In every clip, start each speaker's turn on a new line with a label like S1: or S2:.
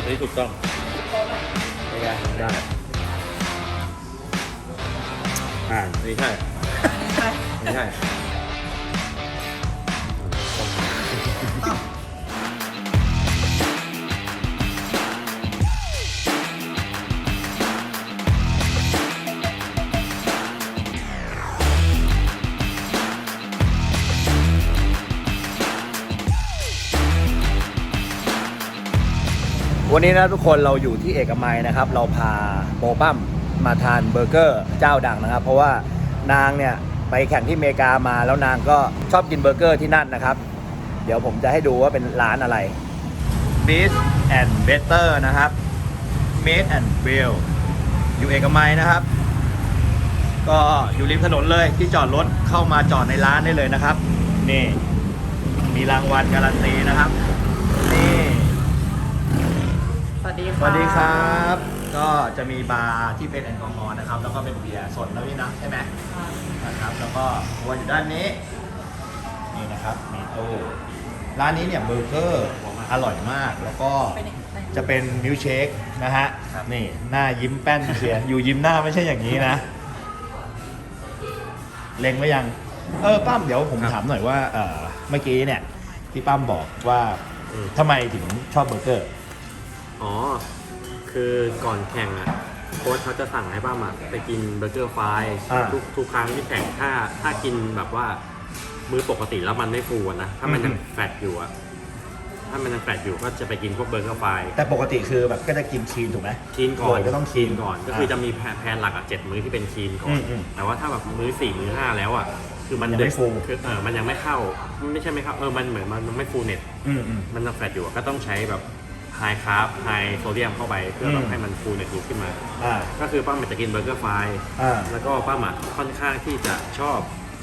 S1: อันนี้ถูกต้องเป็นไงได้อันนี้ใช่ไม่ใช่
S2: วันนี้นะทุกคนเราอยู่ที่เอกมัยนะครับเราพาโปปั้มมาทานเบอร์เกอร์เจ้าดังนะครับเพราะว่านางเนี่ยไปแข่งที่อเมริกามาแล้วนางก็ชอบกินเบอร์เกอร์ที่นั่นนะครับเดี๋ยวผมจะให้ดูว่าเป็นร้านอะไร Beast and Better นะครับ Made and Well อยู่เอกมัยนะครับก็อยู่ริมถนนเลยที่จอดรถเข้ามาจอดในร้านได้เลยนะครับนี่มีรางวัลการันตีนะครับนี่
S3: สวัสดี
S2: ครับ ก็จะมีบาร์ที่เป็นแอลกอฮอล์นะครับ แล้วก็เป็นเบียร์สดแล้วนี่นะใช่ไหมนะครับ แล้วก็ตัวอยู่ด้านนี้ นี่นะครับมีตู้ร้านนี้เนี่ยเบอร์เกอร์อร่อยมาก แล้วก็จะเป็นมิลค์เชคนะฮะ นี่หน้ายิ้มแป้นเสีย อยู่ยิ้มหน้าไม่ใช่อย่างนี้นะ เล็งไว้ยัง ปั้มเดี๋ยวผมถามหน่อยว่าเมื่อกี้เนี่ยที่ปั้มบอกว่าทำไมถึงชอบเบอร์เกอร์
S1: อ๋อคือก่อนแข่งอ่ะโค้ชเขาจะสั่งให้ป้ามาไปกินเบอร์เกอร์ไฟทุกครั้งที่แข่งถ้ากินแบบว่ามื้อปกติแล้วมันไม่ฟูนะถ้ามันยังแฟตอยู่อ่ะถ้ามันยังแฟตอยู่ก็จะไปกินพวกเบอร์เกอร์ไฟ
S2: แต่ปกติคือแบบก็จะกินคีนถูกไหม
S1: คีนก่อน
S2: ก็ต้องคีน
S1: ก่อนก็คือจะมีแพนหลัก7มื้อที่เป็นคีนก่อนแต่ว่าถ้าแบบมื้อ4มื้อ5แล้วอ่ะคือมัน
S2: ไม่ฟู
S1: คือมันยังไม่เข้าไม่ใช่ไม่เข้ามันเหมือนมันไม่ฟูเน็ตมันยังแฟตอยู่ก็ต้องใช้แบบไฮคาร์บไฮโซเดียมเข้าไปเพื่อแบบให้มันฟูเน็ตขึ้นมาก็คือป้าหมัดจะกินเบอร์เกอร์ไฟแล้วก็ป้าหมัดค่อนข้างที่จะชอบ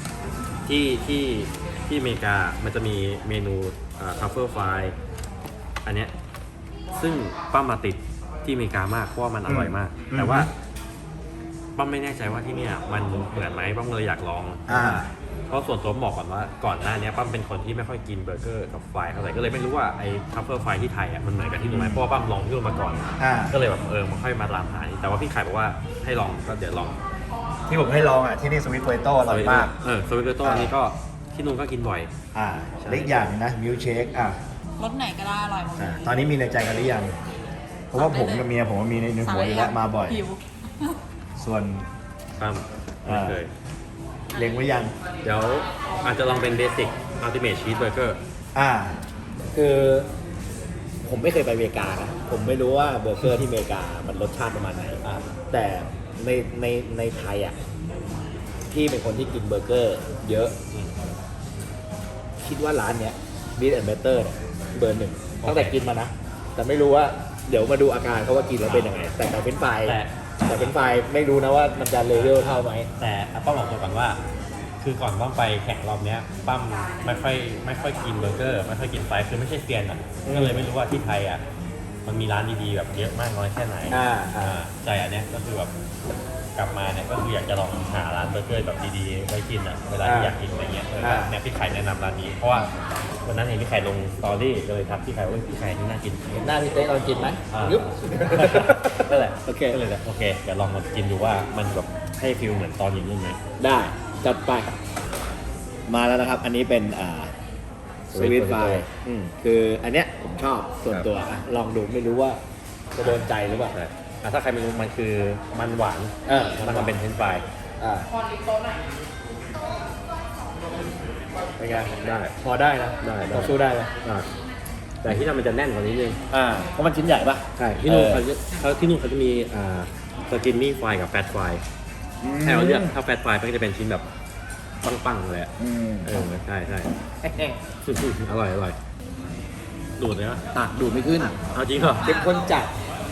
S1: ที่อเมริกามันจะมีเมนูทัฟเฟิลไฟอันเนี้ยซึ่งป้ามาติดที่อเมริกามากเพราะว่ามันอร่อยมากแต่ว่าป้าไม่แน่ใจว่าที่เนี่ยมันเหมือนไหมป้าเลยอยากลองเพราะส่วนตัวบอกก่อนว่าก่อนหน้านี้ป้าเป็นคนที่ไม่ค่อยกินเบอร์เกอร์กับไฟเท่าไหร่ก็เลยไม่รู้ว่าไอ้ทัฟเฟิลไฟที่ไทยอ่ะมันเหมือนกับที่นู่นไหมเพราะว่าป้าลองที่นู่นมาก่อนก็เลยแบบมาค่อยมาตามหาแต่ว่าพี่ไข่บอกว่าให้ลองก็เดี๋ยวลอง
S2: ที่ผมให้ลองอ่ะที่นี่สวิตโพเตโต้อร่อยมาก
S1: สวิตโพเตโต้อันนี้ก็ที่นู่นก็กินบ่อย
S2: เล็กอย่างนะมิลค์เชค
S3: รสไหนก็ได้อร่อยหมด
S2: ตอนนี้มีในใจกันหรือยังเพราะว่าผมกับเมียผมมีในหัวอยู่แล้วมาบ่อยส่วน
S1: ปั้มไม่เคย
S2: เล็งไว้ยัง
S1: เดี๋ยวอาจจะลองเป็นเบสิกอัลติเมทชีสเบอร์เกอร์
S2: คือผมไม่เคยไปอเมริกานะผมไม่รู้ว่าเบอร์เกอร์ที่อเมริกามันรสชาติประมาณไหนแต่ในไทยอ่ะพี่เป็นคนที่กินเบอร์เกอร์เยอะคิดว่าร้านเนี้ย Beast and Better เนี่ยเบอร์หนึ่งตั้งแต่กินมานะแต่ไม่รู้ว่าเดี๋ยวมาดูอาการเขาว่ากินแล้วเป็นยังไงแต่เป็นไฟแต่เป็นไฟไม่รู้นะว่ามันจะเลเวลเท่าไหม
S1: แต่ป้าบอกตัวก่อนว่าคือก่อนป้าไปแข่งรอบเนี้ยป้าไม่ค่อยกินเบอร์เกอร์ไม่ค่อยกินไฟคือไม่ใช่เซียนอ่ะก็เลยไม่รู้ว่าที่ไทยอ่ะมันมีร้านดีๆแบบเยอะมากน้อยแค่ไหนใจอันเนี้ยก็คือแบบกลับมาเนี่ยก็คืออยากจะลองหาร้านเบอร์เกอร์แบบดีๆไว้กินอ่ะเวลาที่อยากกินอะไรเงี้ยเนี่ยพี่ไข่แนะนำร้านนี้เพราะว่าวันนั้นเห็นพี่ไข่ลงสตอรี่ก็เลยทักพี่ไข่ว่าพี่ไข่ที่น่ากิน
S2: หน้าพี่เต้ลองกินไหมยุบ
S1: นั่นแหละโอเคเลยแหละโอเคเดี๋ยวลองมากินดูว่ามันแบบให้ฟิลเหมือนตอนอยู่นู่นไหม
S2: ได้จัดไปมาแล้วนะครับอันนี้เป็นสวิตไฟคืออันเนี้ยผมชอบส่วนตัวลองดูไม่รู้ว่าจะโดนใจหรือเปล่า
S1: ถ้าใครไม่รู้มันคือมันหวานแล้วก็เป็นเฟรนช์ฟราย
S2: เป็นไงได้พอได้นะ
S1: ได้
S2: พอสู้ได้นะ
S1: แต่ที่นั่นมันจะแน่นกว่านี้นึง
S2: เพราะมันชิ้นใหญ่ปะ
S1: ใช่ที่นู่นเขาจะมีสกินนี่ไฟกับแฟตไฟให้เราเลือกถ้าแฟตไฟก็จะเป็นชิ้นแบบปังๆเลยใช่อร่อยดูดเลยนะ
S2: ดูดไม่ขึ้น
S1: เอาจริงเหรอ
S2: เป็นคนจัด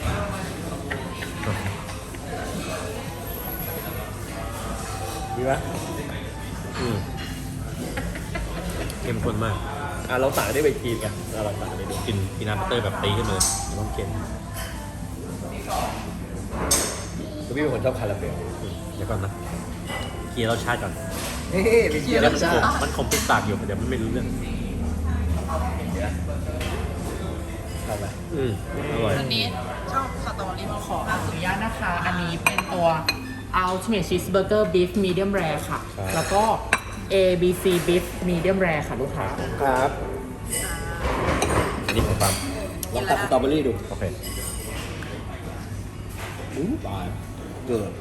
S2: ดีไหม
S1: เข้มข้นมาก
S2: เราสั่งได้ไปกินกันเราสั่งได้
S1: กินพีนัทบัตเตอร์แบบตีขึ้นมาเลยต้องเค็ม
S2: พี่เป็นคนชอบคาราเมล
S1: เดี๋ยวก่อนนะเคลียร์รสชาติก่อน
S2: ไปเคลียร์รสชาติ
S1: มันคมติดปากอยู่เดี๋ยวมันไม่รู้เรื่อง
S2: ชอบไหม
S1: อร่อย
S3: อันนี้ชอบสตรอเบอรี่มะ
S4: ขออนุญาตนะคะ อันนี้เป็นตัว Ultimate Cheeseburger Beef Medium Rare ค่ะ
S1: ครับ
S4: แล้วก็ ABC Beef Medium Rare ค่ะลูกค้า
S2: ครับ
S1: อันนี้ของปั๊ม
S2: ลองตัดสตรอเบอรี่ดู
S1: โอเค
S2: ตายเกิด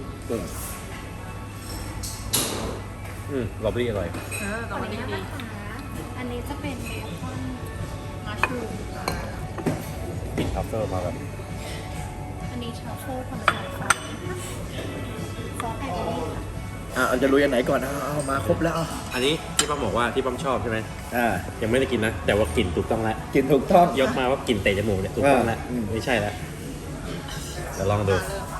S1: ลอบบี้อร่อย
S3: สตรอเบอรี่ดี
S5: อันนี้จะเป็นเบคอน
S3: มัชรูม
S1: กลิ่นทัฟเฟิลมาแบบ
S5: อันนี้ทรัฟเฟิลธรรมดาค่ะซอสไก่เบอรี่ค่ะ
S2: จะลุยอันไหนก่อนเอามาครบแล้ว
S1: อันนี้ที่ปั๊มบอกว่าที่ปั๊มชอบใช่ไหม
S2: อ่า
S1: ยังไม่ได้กินนะ แต่ว่ากลิ่นถูกต้องแล้ว
S2: กินถูกต้อง
S1: ยกมาว่ากลิ่นเตะจมูกเนี่ยถูกต้องแล้ว ไม่ใช่แล้วเดี๋ยวลองดู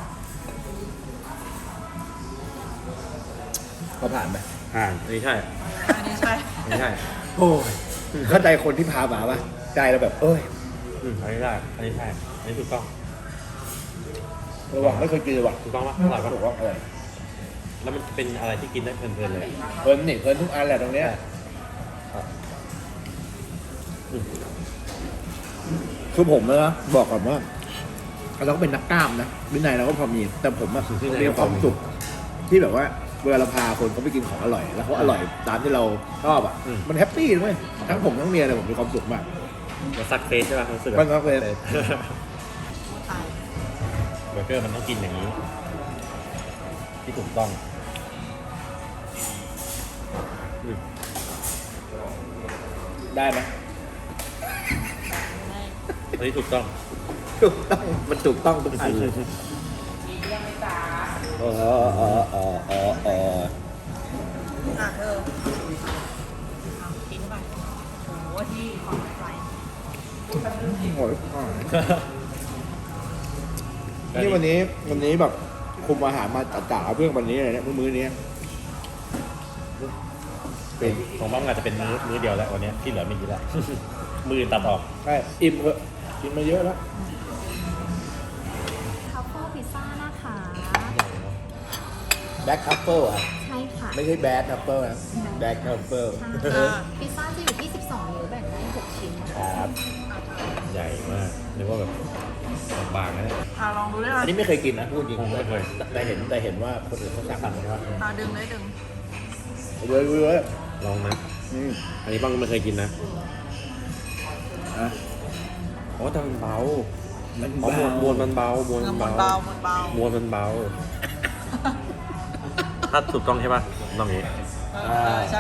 S2: ก็ผ่านไป
S1: ผ่านอันนี้ใช่
S3: อันนี้ใช่
S1: อันนี้ใช่
S2: โอ้ยเข้าใจคนที่พามาป่ะใจเราแบบเอ้ย
S1: อันนี้ได้อันนี้ใช่อันนี้ถูกต้อง
S2: เราบอกไม่เคยกินเลยว่ะ
S1: ถูกต้องปะอร่อยปะ
S2: ถูกต้องอร่อย
S1: แล้วมันเป็นอะไรที่กินได้เพลินๆเลย
S2: เพลินนี่เพลินทุกอันแหละตรงเนี้ยคือผมนะบอกก่อนว่าเราก็เป็นนักกล้ามนะวินัยเราก็พอมีแต่ผมอะมีความสุขที่แบบว่าเวลาเราพาคนเขาไปกินของอร่อย แล้วเขาอร่อยตามที่เราชอบอ่ะมันแฮปปี้ด้วยทั้งผมทั้งเมียเลยผมมีความสุขมาก
S1: มันซักเฟสใช่ป่ะรู้สึก
S2: มันก็เลย
S3: ตาย
S1: เบอร์เกอร์มันต้องกินอย่างนี้ ที่ถูกต้อง
S2: ได้ไหม
S1: อันนี้ถูกต้อง
S2: ถูกต้องมันถูกต้องทุกอันเลยเออ
S3: เธอกินไปโอ้โหที่ของไฟ
S2: โอ้ยนี่วันนี้แบบคุมอาหารมาจัดๆเอาเรื่องวันนี้เลยเนี่ยมื้อนี้
S1: เป็นของบ้างอาจจะเป็นมื้อเดียวแล้ววันนี้ที่เหลือไม่กินแล้ว มือตัดออก
S2: ใช่อิ่มเถอะกินมาเยอะแล้ว
S5: ทัฟเฟิลพิซซ่านะคะ
S2: แบ็คทัฟเฟิลอ่ะ
S5: ใช่ค่ะ
S2: ไม่ใช่แบดทัฟเฟิลนะแบ็คทัฟเฟิล
S5: พิซซ่าจะอยู่ที่ 12 นิ้วแบ่งได้ 6 ชิ้น
S2: ครับ
S1: ใหญ่มากนึกว่าแบบบางๆนะเนี่ย
S3: ลองดูได้
S2: อัน
S3: ไหม
S2: นี้ไม่เคยกินนะพูดจริง
S1: ไม่เคย
S2: แต่เห็นว่าคนอื่นเขาสั่งกันว่า
S3: ดึงเลยดึง
S2: เลย
S1: ลองนะอันนี้บ้างก็ไม่เคยกินนะ
S2: อ่ะ
S1: อ๋อแต่มันเบา
S2: มัน
S1: อ๋อมวลมันเบามวล
S3: เงิ
S1: มัน น
S3: เบา
S1: เบา
S3: มันเบาม
S1: วลมันเบา ถ้าถูกต้องใช่ป่ะต้องอย่างนี้
S3: ใช่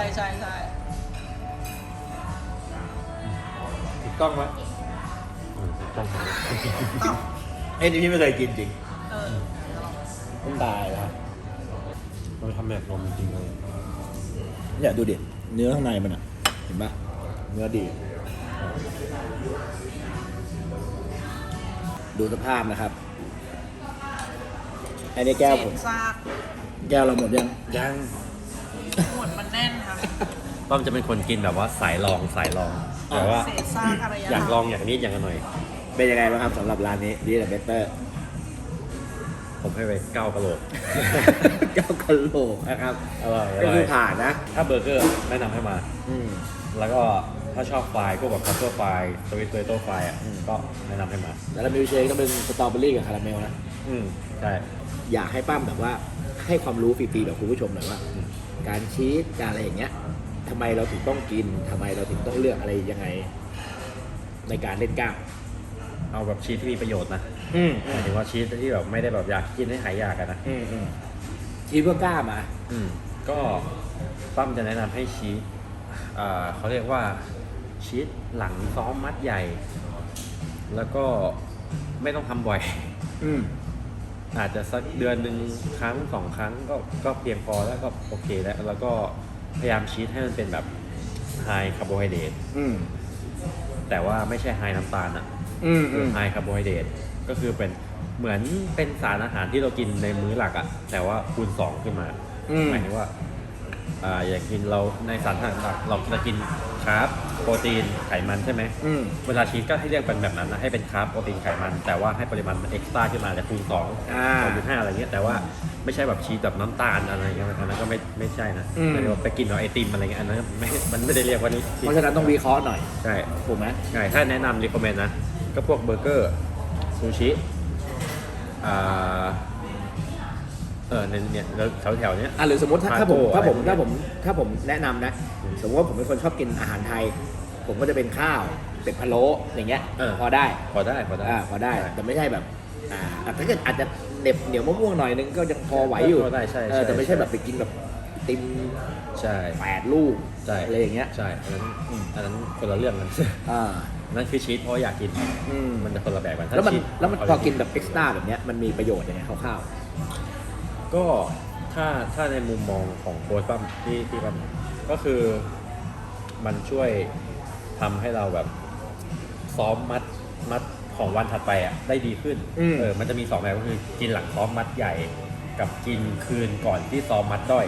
S2: ถูกต้องไหม
S1: ถูกต้อง
S2: ไอ้นี่พี่ไม่เคยกินจริง
S3: เออ
S2: ต้องตายแล้ว
S1: มันทำแบบนมจริงเลย
S2: เนี่ยดูดิเนื้อข้างในมันอ่ะเห็นปะเนื้อดี ดูสภาพนะครับอันนี้แก้วผม
S3: ซาก
S2: แก้วเราหมดยัง
S1: ยัง
S3: หมดมันแน่นค่ะ
S1: ป้อมจะเป็นคนกินแบบว่าสายลองแต่ว่า
S3: เศษซากอะไร
S1: อยากลองอย่างนี้อย่างกันหน่อย
S2: เป็นยังไงบ้างครับสำหรับร้านนี้ดีแต่เบเตอร์
S1: ผมให้ไป9กะโหลก
S2: แก้วกะโหลกนะครับ
S1: อร่อย
S2: ก็คือผ่านนะ
S1: ถ้าเบอร์เกอร์แนะนำให้มา
S2: อืม
S1: แล้วก็ถ้าชอบไฟล์พวกแบบคัพเปอร์ไฟล์สวิตเตอร์ไฟล์อ่ะก็แนะนำให้มา
S2: แล้วมิลเชคก็เป็นสตรอเบอรี่กับคาราเมลนะ
S1: ใช่
S2: อยากให้ป้ามแบบว่าให้ความรู้ฟรีๆแบบคุณผู้ชมหน่อยว่า การชีสการอะไรอย่างเงี้ยทำไมเราถึงต้องกินทำไมเราถึงต้องเลือกอะไรยังไง ในการเล่นกล้าม
S1: เอาแบบชีสที่มีประโยชน์นะ
S2: อืม
S1: หมายถึงว่าชีสที่แบบไม่ได้แบบอยากกินให้หายอยากอะนะ
S2: ชีสเพื่อกล้ามอ่ะ
S1: ก็ปั้มจะแนะนำให้ชีสเขาเรียกว่าชีสหลังซ้อมมัดใหญ่ แล้วก็ไม่ต้องทำบ่อย
S2: อืม
S1: อาจจะสักเดือนหนึ่งครั้ง2 ครั้งก็เพียงพอแล้วก็โอเคแล้วก็พยายามชีสให้มันเป็นแบบไฮคาร์โบไฮเดรต
S2: อืม
S1: แต่ว่าไม่ใช่ไฮน้ำตาลอ่ะ
S2: อืมอืม
S1: ไฮคาร์โบไฮเดรตก็คือเป็นเหมือนเป็นสารอาหารที่เรากินในมื้อหลักอ่ะแต่ว่าคูณ2ขึ้นมาหมายถึงว่าอย่างกินเราในสารอาหารหลักเราจะกินคาร์บโปรตีนไขมันใช่ไหม
S2: อืม
S1: เวลาชีสก็ให้เรียกเป็นแบบนั้นนะให้เป็นคาร์บโปรตีนไขมันแต่ว่าให้ปริมาณมันเอ็กซ์ตร้าขึ้นมาจะคูณ2.5อะไรเงี้ยแต่ว่าไม่ใช่แบบชีสแบบน้ำตาลอะไรเงี้ยอันนั้นก็ไม่ใช่นะแต่ว่าไปกินเอาไอติมอะไรเงี้ยอันนั้นมันไม่ได้เรียกว่านี้
S2: เพราะฉะนั้นต้องวิเคราะห์หน่อย
S1: ใช่
S2: ถูกไหม
S1: ใช่ถ้าแนะนำรีคอมเมนต์นะก็พวกเบอร์เกอร์ซูชิเนี่ยแล้วแถวๆเนี้ย
S2: หรือสมมติถ้าผม
S1: ทาโก้อะไรพวกเนี้ย
S2: ถ้าผมแนะนำนะ สมมติว่าผมเป็นคนชอบกินอาหารไทย ผมก็จะเป็นข้าวเป็ดพะโล้อย่างเงี้ยพอได้
S1: พอได้
S2: พอได้แต่ไม่ใช่แบบถ้าเกิดอาจจะเหน็บเหนียวมะม่วงหน่อยนึงก็ยังพอไหวอยู่
S1: พอได้ใช่
S2: แต่ไม่ใช่แบบไปกินแบบติม
S1: ใช่
S2: 8 ลูก
S1: ใช่
S2: อะไรอย่างเงี้ย
S1: ใช่อันนั้นคนละเรื่องกัน นั่นคือชีสเพราะอยากกิน มันจะคนละแบบกัน
S2: แล้วมัน
S1: ชีส
S2: พอกินแบบเอ็กซ์ตร้าแบบเนี้ยมันมีประโยชน์ยังไงคร่าว
S1: ก็ถ้าในมุมมองของโค้ชปั้มที่ปั้มก็คือมันช่วยทำให้เราแบบซ้อมมัดของวันถัดไปอ่ะได้ดีขึ้นมันจะมี2แบบก็คือกินหลังซ้อมมัดใหญ่กับกินคืนก่อนที่ซ้อมมัดด้อย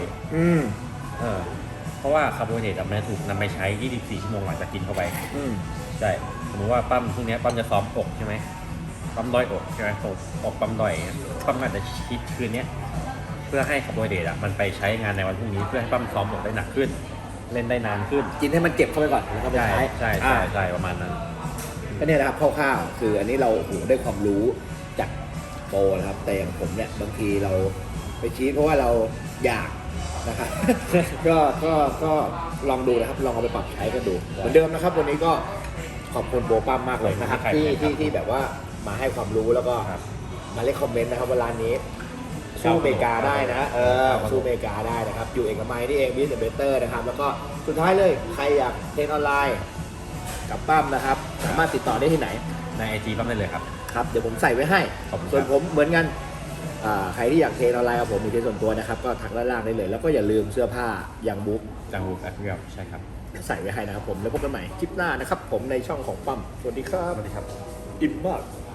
S1: เพราะว่าคาร์โบไฮเดรตมันถูกนำไปใช้24ชั่วโมงหลังจากกินเข้าไปใช่สมมติว่าปั้มพรุ่งนี้ปั้มจะซ้อมอกใช่ไหมปั้มด้อยอกใช่ไหมอกปั้มด้อยปั้มอาจจะคิดคืนนี้เพื่อให้คาร์โบไฮเดรตมันไปใช้งานในวันพรุ่งนี้เพื่อให้ปั้มซ้อมอกได้หนักขึ้น เล่นได้นานขึ้น
S2: ๆกินให้มันเจ็บเข้าไปก่อนแล้วก็ไปใช้
S1: ใช่ประมาณนั้น
S2: ก็เนี่ยนะครับคร่าวๆคืออันนี้เราได้ความรู้จากโปรนะครับแต่อย่างผมเนี่ยบางทีเราไปชี้เพราะว่าเราอยากนะครับ ก็ลองดูนะครับลองเอาไปปรับใช้กันดูเหมือนเดิมนะครับวันนี้ก็ขอบคุณโปรปั้มมากเลยนะครับที่แบบว่ามาให้ความรู้แล้วก็มาเล่นคอมเมนต์นะครับว่าร้านนี้สู้อเมริกาได้นะสู้อเมริกาได้นะครับอยู่เอกมัยนี่เองบิสเบเตอร์นะครับแล้วก็สุดท้ายเลยใครอยากเทรนออนไลน์กับปั้มนะครับสามารถติดต่อได้ที่ไหน
S1: ใน IG ปั้มได้เลยครับ
S2: ครับเดี๋ยวผมใส่ไว้ให้
S1: ขอบคุณครับ
S2: ส่วนผมเหมือนกันใครที่อยากเทรนออนไลน์กับผมมีเทรนส่วนตัวนะครับก็ทักด้านล่างได้เลย แล้วก็อย่าลืมเสื้อผ้าอย่างบุ๊ก
S1: จังหวัดแอฟริกาใช่ครับ
S2: ใส่ไว้ให้นะครับผมแล้วพบกันใหม่คลิปหน้านะครับผมในช่องของปั้มสวัสดีครับ
S1: สวัสดีครับ
S2: อิ่มมาก
S1: ค